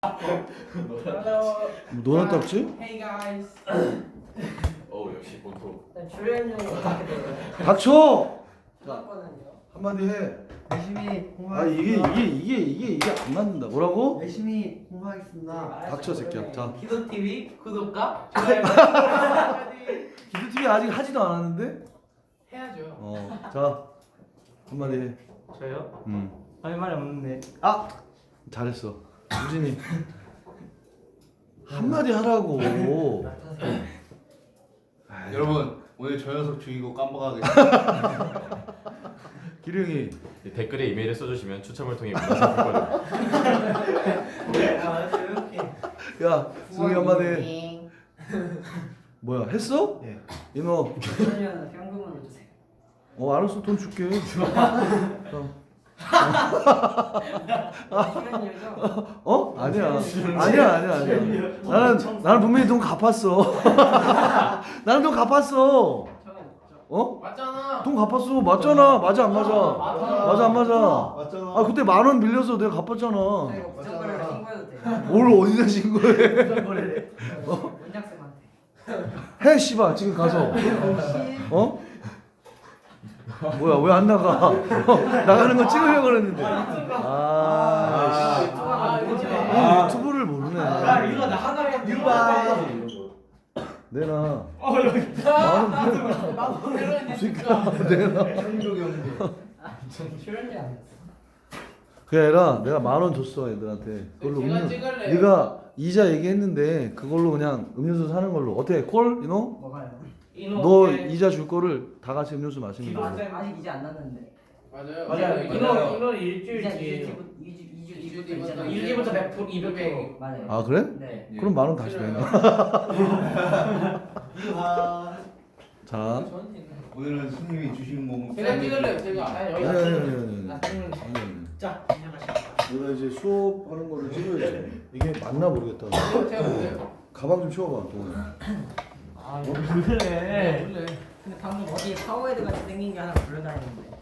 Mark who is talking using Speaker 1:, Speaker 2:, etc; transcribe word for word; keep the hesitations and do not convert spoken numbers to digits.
Speaker 1: Hello.
Speaker 2: 뭐 너나 땄지?
Speaker 1: Hey guys.
Speaker 3: 어 역시 본토.
Speaker 1: 출연료 어떻게 돼요?
Speaker 2: 닥쳐!
Speaker 1: 좋았거든요.
Speaker 2: 한마디 해.
Speaker 4: 열심히
Speaker 2: 아
Speaker 4: 공부하겠습니다.
Speaker 2: 이게 이게 이게 이게 이게 안 맞는다. 뭐라고?
Speaker 4: 열심히 공부하겠습니다.
Speaker 2: 닥쳐, 새끼야. 자.
Speaker 1: 기도 티비 구독과 좋아요.
Speaker 2: 기도티비 아직 하지도 않았는데?
Speaker 1: 해야죠.
Speaker 2: 어. 자 한마디 해.
Speaker 4: 저요?
Speaker 2: 음.
Speaker 4: 할 말이 없는데.
Speaker 2: 아 잘했어. 우진이 한마디 하라고. 아이,
Speaker 5: 여러분 오늘 저 녀석 죽이고 깜빡하겠습니다.
Speaker 2: 기룡이
Speaker 3: 댓글에 이메일을 써주시면 추첨을 통해 문화상품 거를.
Speaker 4: 아, 이렇게.
Speaker 2: 야 승희 한마디 해. 뭐야 했어?
Speaker 4: 네.
Speaker 2: 이너
Speaker 1: 출연료 현금으로 주세요.
Speaker 2: 어 알았어 돈 줄게.
Speaker 1: 출연료죠?
Speaker 2: 어? 아니야. 아니야, 아니야, 아니야. 나는 나는 분명히 돈 갚았어. 나는 돈 갚았어. 어?
Speaker 1: 맞잖아.
Speaker 2: 돈 갚았어. 맞잖아. 맞아 안 맞아? 맞아 안 맞아?
Speaker 5: 맞잖아.
Speaker 2: 아 그때 만 원 빌려서 내가 갚았잖아.
Speaker 1: 저 이거 부정거래를 신고해도 돼요?
Speaker 2: 뭘 어디다 신고해?
Speaker 1: 원장쌤한테.
Speaker 2: 해 씨발 지금 가서. 어? 뭐야 왜 안 나가? 어, 나가는 거 찍으려고 그랬는데. 아, 씨. 아, 유튜브를 모르네.
Speaker 4: 야, 이거 나 하나만 유바.
Speaker 2: 내놔.
Speaker 4: 어, 여기.
Speaker 1: 나도 내려야
Speaker 2: 그러니까 내놔.
Speaker 5: 충격이 없는데.
Speaker 1: 출연료 안 냈어.
Speaker 2: 그게 아니라 내가 만 원 줬어 애들한테. 그걸로
Speaker 1: 제가
Speaker 2: 음료.
Speaker 1: 찍을래요.
Speaker 2: 네가 이자 얘기했는데 그걸로 그냥 음료수 사는 걸로. 어때? 콜? 이노?
Speaker 1: 뭐가요?
Speaker 2: 너 이자 줄 거를 다 같이 음료수 마시는 거.
Speaker 1: 아직 아직 이제 안 났는데.
Speaker 6: 맞아요.
Speaker 4: 맞아요.
Speaker 6: 이거
Speaker 4: 맞아요.
Speaker 6: 이거
Speaker 1: 이제
Speaker 6: 일주일
Speaker 1: 이주
Speaker 6: 뒤에.
Speaker 1: 이주 이주
Speaker 6: 이주
Speaker 1: 이주부터
Speaker 6: 뒤부터
Speaker 1: 있잖아.
Speaker 6: 이주 뒤부터 백 프로 이백 프로.
Speaker 1: 맞아요.
Speaker 2: 아 그래?
Speaker 1: 네.
Speaker 2: 그럼 만 원 다시 내놔.
Speaker 4: 유바.
Speaker 2: 자.
Speaker 5: 오늘은 스님이 주시는 몸.
Speaker 6: 제가 찍을래요. 제가.
Speaker 1: 아니
Speaker 2: 아니
Speaker 1: 여기
Speaker 2: 아니 아니 아니.
Speaker 1: 아, 찍는
Speaker 2: 아니 아니.
Speaker 4: 자,
Speaker 2: 내가 이제 수업하는 거를 찍어야지. 이게 맞나 모르겠다.
Speaker 6: 제가 볼래요.
Speaker 2: 가방 좀 치워봐 동훈아.
Speaker 4: 아, 이거 왜 그래?
Speaker 6: 볼래.
Speaker 1: 근데 방금 어디 파워헤드 같이 생긴 게 하나 불러다니는데.